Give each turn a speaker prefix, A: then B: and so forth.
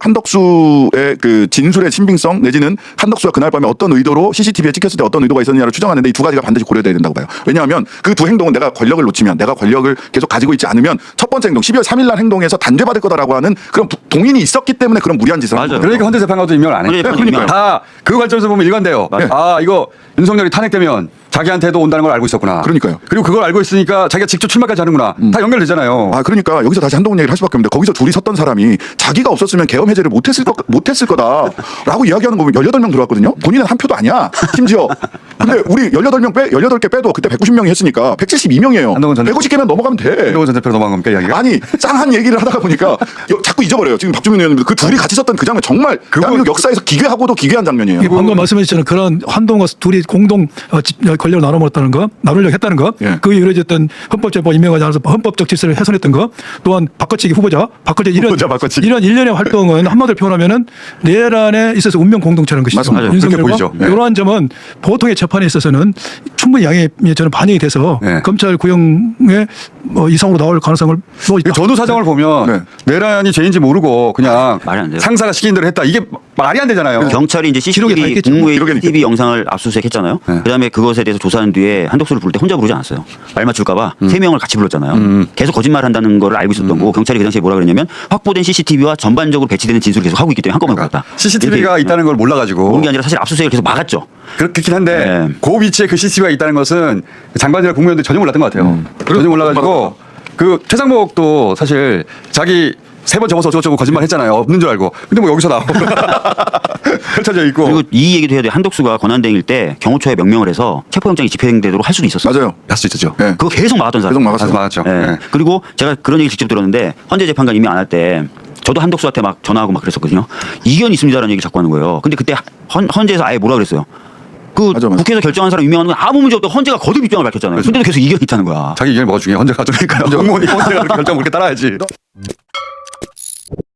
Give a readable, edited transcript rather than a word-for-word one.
A: 한덕수의 그 진술의 신빙성 내지는 한덕수가 그날 밤에 어떤 의도로 CCTV에 찍혔을 때 어떤 의도가 있었느냐를 추정하는데 이 두 가지가 반드시 고려돼야 된다고 봐요. 왜냐하면 그 두 행동은 내가 권력을 놓치면 내가 권력을 계속 가지고 있지 않으면 첫 번째 행동 12월 3일 날 행동에서 단죄받을 거다라고 하는 그런 동인이 있었기 때문에 그런 무리한 짓을 한 거예요.
B: 그러니까 헌재재판관도 임명을 안 해요.
A: 그러니까요.
B: 다 그 관점에서 보면 일관돼요. 아 이거 윤석열이 탄핵되면 자기한테도 온다는 걸 알고 있었구나.
A: 그러니까요.
B: 그리고 그걸 알고 있으니까 자기가 직접 출마까지 하는구나. 다 연결되잖아요.
A: 아 그러니까 여기서 다시 한동훈 얘기를 할 수밖에 없는데 거기서 둘이 섰던 사람이 자기가 없었으면 계엄 해제를 못했을 거다라고 이야기하는 거 보면 18명 들어왔거든요. 본인은 한 표도 아니야. 심지어. 근데 우리 18개 빼도 그때 190명이 했으니까 172명이에요.
B: 한동훈 전
A: 150개면 넘어가면 돼.
B: 한동훈 전 대표로 넘어간 겁니까 이야기가?
A: 아니 짱한 얘기를 하다가 보니까 자꾸 잊어버려요. 지금 박주민 의원님도 그 둘이 같이 섰던 그 장면 정말 대한민국 역사에서 기괴하고도 기괴한 장면이에요.
C: 방금 말씀하셨잖아요. 그런 한동훈과 둘이 공동 권력을 나눠 먹었다는 거, 나누려고 했다는 거,
A: 예.
C: 그게 이루어졌던 헌법재판 임명하지 않아서 헌법적 질서를 훼손했던 거, 또한 바꿔치기 후보자
B: 바꿔치기.
C: 이런 일련의 활동은 한마디로 표현하면 내란에 있어서 운명 공동체라는 것이죠.
A: 맞습니다.
B: 그렇게 보이죠. 네.
C: 이러한 점은 보통의 재판에 있어서는 충분히 양해 저는 반영이 돼서
B: 네.
C: 검찰 구형의 이상으로 나올 가능성을
B: 전후 사정을 보면
A: 네.
B: 내란이 죄인지 모르고 그냥
D: 말이 안 돼요.
B: 상사가 시킨 대로 했다. 이게 말이 안 되잖아요.
D: 경찰이 이제
C: 기록에 다
D: CCTV
C: 있겠죠.
D: 국무회의
A: 기록에는
D: TV 영상을 압수수색했잖아요.
B: 네.
D: 그다음에 그것에 대해서 조사한 뒤에 한덕수를 부를 때 혼자 부르지 않았어요. 말 맞출까봐 3명을 같이 불렀잖아요. 계속 거짓말한다는 걸 알고 있었던 거고 경찰이 그 당시에 뭐라 그랬냐면 확보된 CCTV와 전반적으로 배치되는 진술을 계속 하고 있기 때문에 한꺼번에 불렀다.
B: CCTV가
D: 이렇게
B: 있다는 걸 몰라가지고
D: 모르는 게 아니라 사실 압수수색을 계속 막았죠.
B: 그렇긴 한데
D: 네.
B: 그 위치에 그 CCTV가 있다는 것은 장관이나 국무위원들이 전혀 몰랐던 것 같아요. 전혀 몰라가지고 그 최상목도 사실 자기 3번 접어서 어쩌고저쩌고 거짓말 했잖아요. 없는 줄 알고. 근데 뭐 여기서 나오고 펼쳐져 있고.
D: 그리고 이 얘기도 해야 돼. 한덕수가 권한대행일 때 경호처에 명령을 해서 체포영장이 집행되도록 할 수도 있었어요.
A: 맞아요.
B: 할 수 있었죠.
A: 네.
D: 그거 계속 막았던 사람.
A: 계속 막았어요.
B: 맞았죠.
D: 예.
B: 네.
D: 그리고 제가 그런 얘기 직접 들었는데 헌재 재판관 임명 안 할 때 저도 한덕수한테 막 전화하고 막 그랬었거든요. 이견 있습니다라는 얘기 자꾸 하는 거예요. 근데 그때 헌재에서 아예 뭐라 그랬어요. 그
A: 맞아.
D: 국회에서 결정한 사람 임명하는 건 아무 문제 없다. 헌재가 거듭 입장을 밝혔잖아요. 근데도 계속 이견이 있다는 거야.
B: 자기 의견이 뭐가 중요해. 헌재가 중요니까요. 공무원이 헌재가 결정 그렇게 따라야지.